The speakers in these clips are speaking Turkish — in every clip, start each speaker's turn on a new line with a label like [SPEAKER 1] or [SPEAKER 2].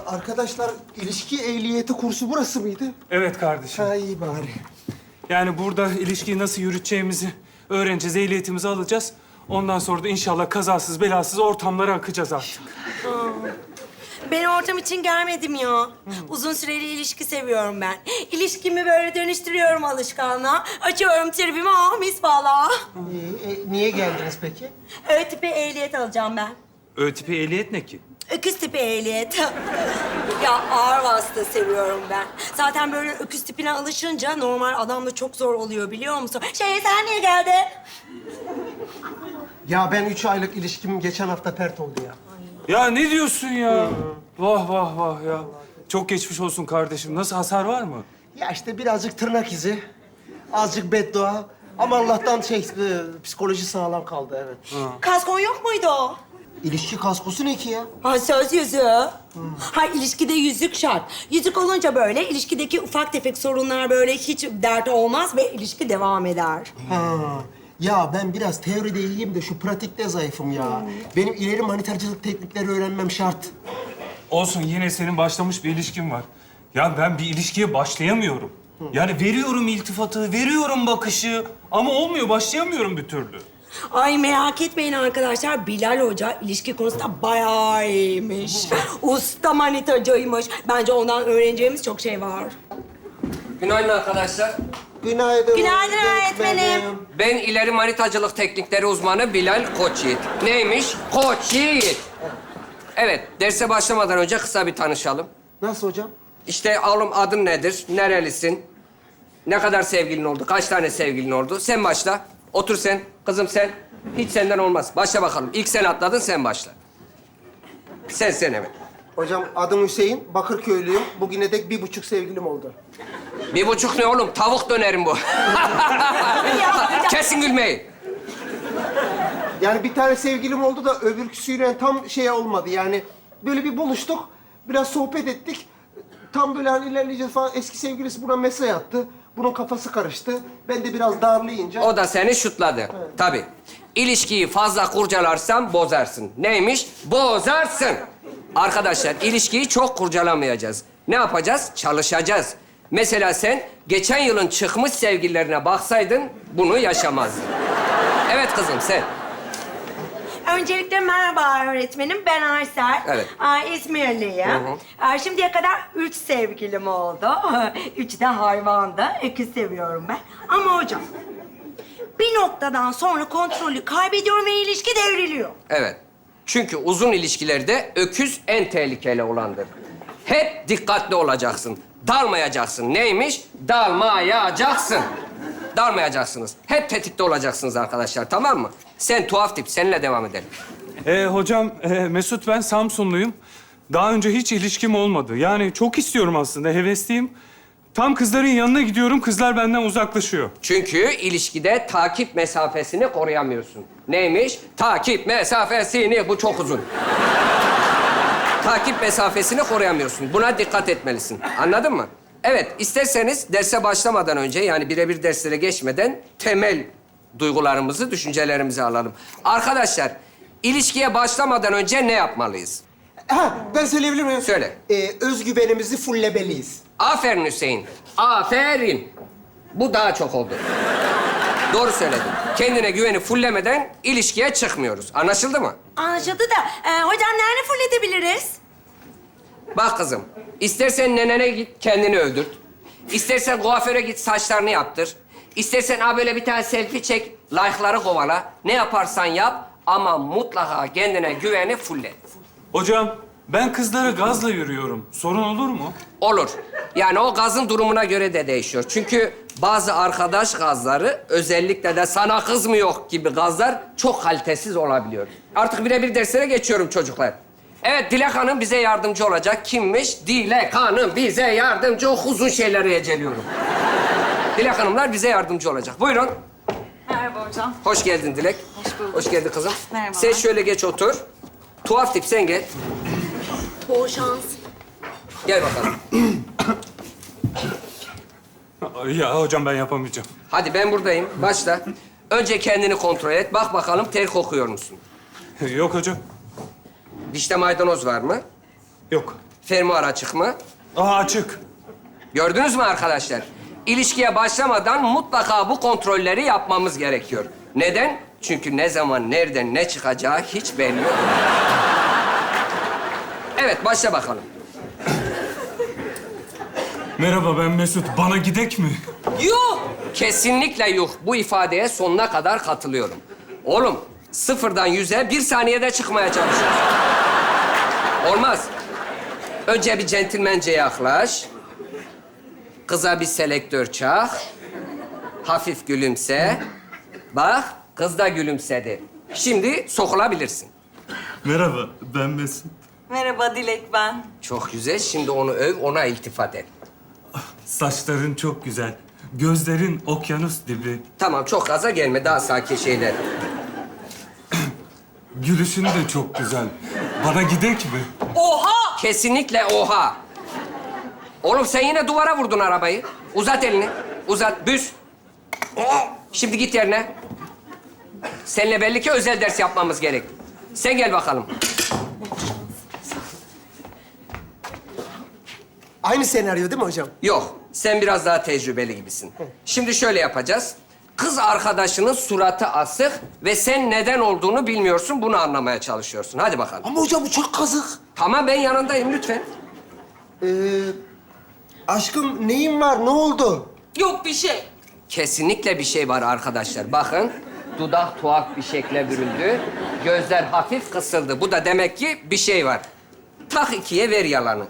[SPEAKER 1] Arkadaşlar, ilişki ehliyeti kursu burası mıydı?
[SPEAKER 2] Evet kardeşim.
[SPEAKER 1] Ha, iyi bari.
[SPEAKER 2] Yani burada ilişkiyi nasıl yürüteceğimizi öğreneceğiz, ehliyetimizi alacağız. Ondan sonra da inşallah kazasız belasız ortamlara akacağız artık.
[SPEAKER 3] Ben ortam için gelmedim ya. Uzun süreli ilişki seviyorum ben. İlişkimi böyle dönüştürüyorum alışkanlığa. Açıyorum tribimi, mis falan.
[SPEAKER 1] Niye geldiniz peki?
[SPEAKER 3] Ö tipi ehliyet alacağım ben.
[SPEAKER 2] Ö tipi ehliyet ne ki?
[SPEAKER 3] Öküz tipi ehliyet. Ya ağır vasıta seviyorum ben. Zaten böyle öküz tipine alışınca normal adamla çok zor oluyor biliyor musun? Sen niye geldin?
[SPEAKER 1] Ya ben 3 aylık ilişkim geçen hafta pert oldu ya.
[SPEAKER 2] Ya ne diyorsun ya? Vah vah vah ya. Çok geçmiş olsun kardeşim. Nasıl, hasar var mı?
[SPEAKER 1] Ya işte birazcık tırnak izi, azıcık beddua. Ama Allah'tan psikoloji sağlam kaldı, evet.
[SPEAKER 3] Kaskon yok muydu o?
[SPEAKER 1] İlişki kaskosu ne ki ya?
[SPEAKER 3] Ha, söz yüzüğü. Ha, ilişkide yüzük şart. Yüzük olunca böyle ilişkideki ufak tefek sorunlar böyle hiç dert olmaz ve ilişki devam eder.
[SPEAKER 1] Ha. Ya ben biraz teoride iyiyim de şu pratikte zayıfım ya. Benim ileri manitercilik teknikleri öğrenmem şart.
[SPEAKER 2] Olsun, yine senin başlamış bir ilişkin var. Ya ben bir ilişkiye başlayamıyorum. Yani veriyorum iltifatı, veriyorum bakışı ama olmuyor, başlayamıyorum bir türlü.
[SPEAKER 3] Ay merak etmeyin arkadaşlar. Bilal Hoca ilişki konusunda bayağı iyiymiş. Usta manitacıymış. Bence ondan öğreneceğimiz çok şey var.
[SPEAKER 4] Günaydın arkadaşlar.
[SPEAKER 1] Günaydın.
[SPEAKER 3] Günaydın öğretmenim.
[SPEAKER 4] Ben ileri manitacılık teknikleri uzmanı Bilal Koçyiğit. Neymiş? Koçyiğit. Evet, derse başlamadan önce kısa bir tanışalım.
[SPEAKER 1] Nasıl hocam?
[SPEAKER 4] İşte oğlum adın nedir? Nerelisin? Ne kadar sevgilin oldu? Kaç tane sevgilin oldu? Sen başla. Otur sen. Kızım sen. Hiç senden olmaz. Başla bakalım. İlk sen atladın, sen başla. Sen evet.
[SPEAKER 1] Hocam adım Hüseyin, Bakırköylüyüm. Bugüne dek 1,5 sevgilim oldu.
[SPEAKER 4] 1,5 ne oğlum? Tavuk dönerim bu. Kesin gülmeyi.
[SPEAKER 1] Yani bir tane sevgilim oldu da öbürküsüyle tam şey olmadı. Yani böyle bir buluştuk, biraz sohbet ettik. Tam böyle hani ilerleyeceğiz falan. Eski sevgilisi buna mesaj attı. Bunun kafası karıştı. Ben de biraz darlayınca...
[SPEAKER 4] O da seni şutladı. Tabii. İlişkiyi fazla kurcalarsan bozarsın. Neymiş? Bozarsın. Arkadaşlar, ilişkiyi çok kurcalamayacağız. Ne yapacağız? Çalışacağız. Mesela sen geçen yılın çıkmış sevgililerine baksaydın bunu yaşamazdın. Evet kızım, sen.
[SPEAKER 3] Öncelikle merhaba öğretmenim. Ben Aysel.
[SPEAKER 4] Evet.
[SPEAKER 3] İzmirliyim.
[SPEAKER 4] Hı
[SPEAKER 3] Şimdiye kadar 3 sevgilim oldu. 3 de hayvandı. Öküz seviyorum ben. Ama hocam bir noktadan sonra kontrolü kaybediyorum ve ilişki devriliyor.
[SPEAKER 4] Evet. Çünkü uzun ilişkilerde öküz en tehlikeli olandır. Hep dikkatli olacaksın. Dalmayacaksın. Neymiş? Dalmayacaksın. Dalmayacaksınız. Hep tetikte olacaksınız arkadaşlar, tamam mı? Sen tuhaf tip, seninle devam edelim.
[SPEAKER 2] Hocam, Mesut, ben Samsunluyum. Daha önce hiç ilişkim olmadı. Yani çok istiyorum aslında, hevesliyim. Tam kızların yanına gidiyorum, kızlar benden uzaklaşıyor.
[SPEAKER 4] Çünkü ilişkide takip mesafesini koruyamıyorsun. Neymiş? Takip mesafesini. Bu çok uzun. Takip mesafesini koruyamıyorsun. Buna dikkat etmelisin. Anladın mı? Evet, isterseniz derse başlamadan önce, yani birebir derslere geçmeden temel duygularımızı, düşüncelerimizi alalım. Arkadaşlar, ilişkiye başlamadan önce ne yapmalıyız?
[SPEAKER 1] Ha, ben söyleyebilir miyim?
[SPEAKER 4] Söyle.
[SPEAKER 1] Özgüvenimizi fullemeliyiz.
[SPEAKER 4] Aferin Hüseyin. Aferin. Bu daha çok oldu. Doğru söyledin. Kendine güveni fullemeden ilişkiye çıkmıyoruz. Anlaşıldı mı?
[SPEAKER 3] Anlaşıldı da hocam nerede fulledebiliriz?
[SPEAKER 4] Bak kızım, istersen nenene git, kendini öldürt. İstersen kuaföre git, saçlarını yaptır. İstersen böyle bir tane selfie çek, like'ları kovala. Ne yaparsan yap ama mutlaka kendine güveni fulle.
[SPEAKER 2] Hocam, ben kızlara gazla yürüyorum. Sorun olur mu?
[SPEAKER 4] Olur. Yani o gazın durumuna göre de değişiyor. Çünkü bazı arkadaş gazları, özellikle de sana kız mı yok gibi gazlar çok kalitesiz olabiliyor. Artık birebir derslere geçiyorum çocuklar. Evet, Dilek Hanım bize yardımcı olacak. Kimmiş? Dilek Hanım bize yardımcı. O uzun şeyleri eceliyorum. Dilek Hanımlar bize yardımcı olacak. Buyurun.
[SPEAKER 5] Merhaba hocam.
[SPEAKER 4] Hoş geldin Dilek.
[SPEAKER 5] Hoş bulduk.
[SPEAKER 4] Hoş geldin kızım.
[SPEAKER 5] Merhabalar.
[SPEAKER 4] Sen şöyle geç otur. Tuhaf tip sen gel.
[SPEAKER 3] Bol şans.
[SPEAKER 4] Gel bakalım.
[SPEAKER 2] Ya hocam, ben yapamayacağım.
[SPEAKER 4] Hadi ben buradayım. Başla. Önce kendini kontrol et. Bak bakalım ter kokuyor musun?
[SPEAKER 2] Yok hocam.
[SPEAKER 4] Dişte maydanoz var mı?
[SPEAKER 2] Yok.
[SPEAKER 4] Fermuar açık mı?
[SPEAKER 2] Aa, açık.
[SPEAKER 4] Gördünüz mü arkadaşlar? İlişkiye başlamadan mutlaka bu kontrolleri yapmamız gerekiyor. Neden? Çünkü ne zaman, nereden, ne çıkacağı hiç belli yok. Evet, başla bakalım.
[SPEAKER 2] Merhaba, ben Mesut. Bana gidek mi?
[SPEAKER 4] Yuh! Kesinlikle yuh. Bu ifadeye sonuna kadar katılıyorum. Oğlum, 0'dan 100'e 1 saniyede çıkmaya çalışıyoruz. Olmaz. Önce bir centilmence yaklaş. Kıza bir selektör çak. Hafif gülümse. Bak, kız da gülümsedi. Şimdi sokulabilirsin.
[SPEAKER 2] Merhaba, ben Mesut.
[SPEAKER 5] Merhaba Dilek ben.
[SPEAKER 4] Çok güzel. Şimdi onu öv, ona iltifat et.
[SPEAKER 2] Saçların çok güzel. Gözlerin okyanus dibi.
[SPEAKER 4] Tamam, çok gaza gelme. Daha sakin şeyler.
[SPEAKER 2] Gülüşün de çok güzel. Bana gidek mi?
[SPEAKER 5] Oha!
[SPEAKER 4] Kesinlikle oha. Oğlum sen yine duvara vurdun arabayı. Uzat elini. Uzat, büz. Şimdi git yerine. Seninle belli ki özel ders yapmamız gerek. Sen gel bakalım.
[SPEAKER 1] Aynı senaryo değil mi hocam?
[SPEAKER 4] Yok, sen biraz daha tecrübeli gibisin. Şimdi şöyle yapacağız. Kız arkadaşının suratı asık ve sen neden olduğunu bilmiyorsun. Bunu anlamaya çalışıyorsun. Hadi bakalım.
[SPEAKER 1] Ama hocam bu çok kazık.
[SPEAKER 4] Tamam, ben yanındayım lütfen.
[SPEAKER 1] Aşkım neyin var? Ne oldu?
[SPEAKER 5] Yok bir şey.
[SPEAKER 4] Kesinlikle bir şey var arkadaşlar. Bakın, dudak tuhaf bir şekle büründü. Gözler hafif kısıldı. Bu da demek ki bir şey var. Tak ikiye ver yalanı.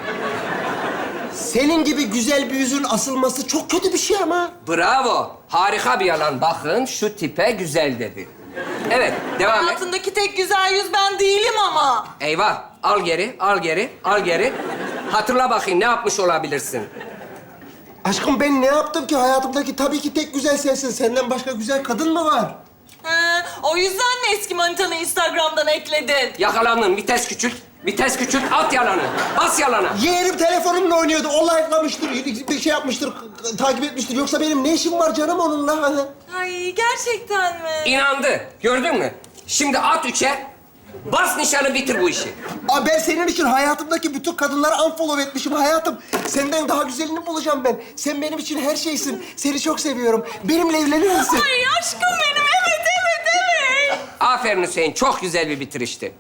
[SPEAKER 1] Senin gibi güzel bir yüzün asılması çok kötü bir şey ama.
[SPEAKER 4] Bravo. Harika bir yalan. Bakın şu tipe güzel dedi. Evet, devam et.
[SPEAKER 5] Hayatındaki tek güzel yüz ben değilim ama.
[SPEAKER 4] Eyvah. Al geri, al geri, al geri. Hatırla bakayım ne yapmış olabilirsin.
[SPEAKER 1] Aşkım ben ne yaptım ki? Hayatımdaki tabii ki tek güzel sensin. Senden başka güzel kadın mı var?
[SPEAKER 5] O yüzden mi eski manitanı Instagram'dan ekledin?
[SPEAKER 4] Yakalandın. Vites küçült. Vites küçült. At yalanı. Bas yalana.
[SPEAKER 1] Yeğenim telefonumla oynuyordu. O like'lamıştır, bir şey yapmıştır, takip etmiştir. Yoksa benim ne işim var canım onunla?
[SPEAKER 5] Ay gerçekten mi?
[SPEAKER 4] İnandı. Gördün mü? Şimdi at 3'e. Bas nişanı, bitir bu işi.
[SPEAKER 1] Aa, ben senin için hayatımdaki bütün kadınları unfollow etmişim hayatım. Senden daha güzelini bulacağım ben. Sen benim için her şeysin. Seni çok seviyorum. Benimle evlenir misin?
[SPEAKER 5] Ay aşkım benim evet.
[SPEAKER 4] Aferin Hüseyin. Çok güzel bir bitirişti.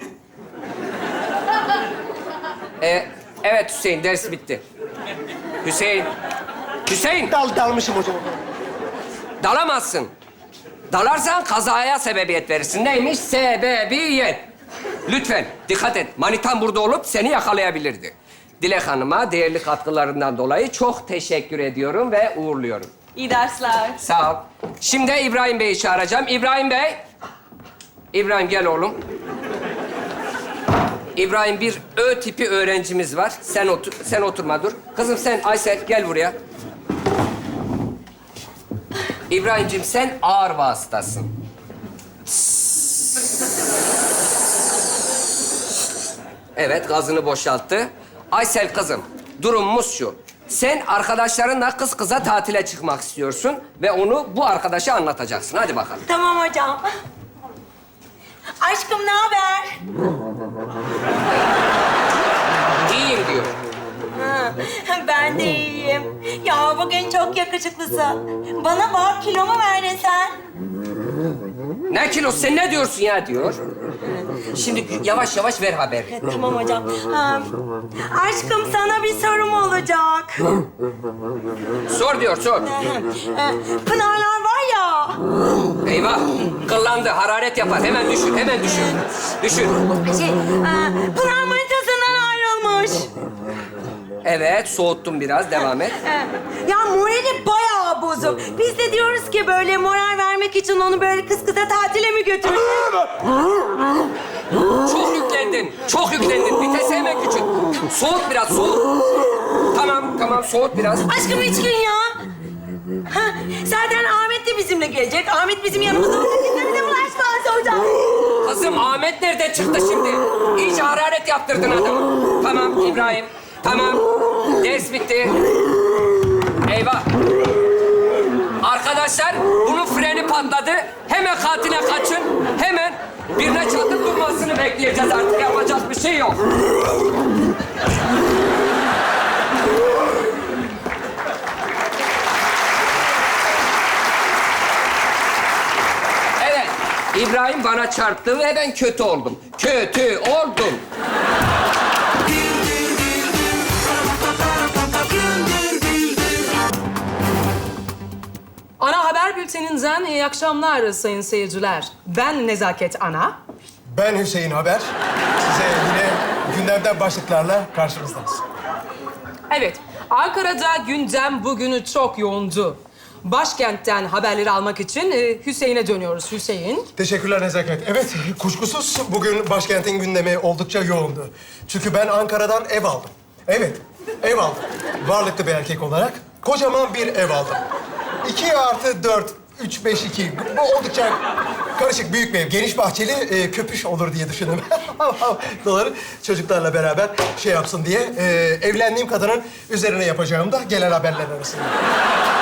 [SPEAKER 4] Evet Hüseyin, ders bitti. Hüseyin. Hüseyin,
[SPEAKER 1] Dalmışım hocam.
[SPEAKER 4] dalamazsın. Dalarsan kazaya sebebiyet verirsin. Neymiş? Sebebiyet. Lütfen dikkat et. Manitan burada olup seni yakalayabilirdi. Dilek Hanım'a değerli katkılarından dolayı çok teşekkür ediyorum ve uğurluyorum.
[SPEAKER 5] İyi dersler.
[SPEAKER 4] Sağ ol. Şimdi İbrahim Bey'i çağıracağım. İbrahim Bey. İbrahim gel oğlum. İbrahim, bir Ö tipi öğrencimiz var. Sen oturma dur. Kızım sen Aysel gel buraya. İbrahimciğim sen ağır vasıtasın. Evet, gazını boşalttı. Aysel kızım, durumumuz şu. Sen arkadaşlarınla kız kıza tatile çıkmak istiyorsun ve onu bu arkadaşa anlatacaksın. Hadi bakalım.
[SPEAKER 3] Tamam hocam. Aşkım ne haber?
[SPEAKER 4] İyiyim diyor.
[SPEAKER 3] Ben de iyiyim. Ya bugün çok yakışıklısın. Bana bak, kilomu verdin sen.
[SPEAKER 4] Ne kilosu, sen ne diyorsun ya diyor. Şimdi yavaş yavaş ver haberi.
[SPEAKER 3] Tamam hocam. Aşkım sana bir sorum olacak.
[SPEAKER 4] Sor diyor, sor.
[SPEAKER 3] Pınarlar var ya.
[SPEAKER 4] Eyvah, kıllandı, hararet yapar. Hemen düşür, hemen düşür. Düşür.
[SPEAKER 3] Pınar manitasından ayrılmış.
[SPEAKER 4] Evet, soğuttum biraz, devam et.
[SPEAKER 3] Ya morali bayağı bozuk. Biz de diyoruz ki böyle moral vermek için onu böyle kız kıza tatile mi götürsek?
[SPEAKER 4] Çok yüklendin, çok yüklendin. Vitesi hemen küçült. Soğut biraz, soğut. Tamam, soğut biraz.
[SPEAKER 3] Aşkım 3 gün ya. Ha, zaten Ahmet de bizimle gelecek. Ahmet bizim yanımızda olacak. Bize bulaşmaz hocam.
[SPEAKER 4] Kızım, Ahmet nereden çıktı şimdi? İyice hararet yaptırdın adamı. Tamam İbrahim, tamam. Ders bitti. Eyvah. Arkadaşlar, bunun freni patladı. Hemen kantine kaçın. Birine çatır durmasını bekleyeceğiz artık. Yapacak bir şey yok. Evet. İbrahim bana çarptı ve ben kötü oldum. Kötü oldum.
[SPEAKER 6] Ana Haber Bülteni'nden iyi akşamlar sayın seyirciler. Ben Nezaket Ana.
[SPEAKER 7] Ben Hüseyin Haber. Size yine gündemden başlıklarla karşınızdayız.
[SPEAKER 6] Evet, Ankara'da gündem bugünü çok yoğundu. Başkentten haberleri almak için Hüseyin'e dönüyoruz. Hüseyin.
[SPEAKER 7] Teşekkürler Nezaket. Evet, kuşkusuz bugün başkentin gündemi oldukça yoğundu. Çünkü ben Ankara'dan ev aldım. Evet, ev aldım. Varlıklı bir erkek olarak kocaman bir ev aldım. 2+4, 3-5-2. Bu oldukça karışık, büyük bir ev. Geniş bahçeli, köpüş olur diye düşündüm. Doları çocuklarla beraber şey yapsın diye. Evlendiğim kadının üzerine yapacağım da gelen haberler arasında.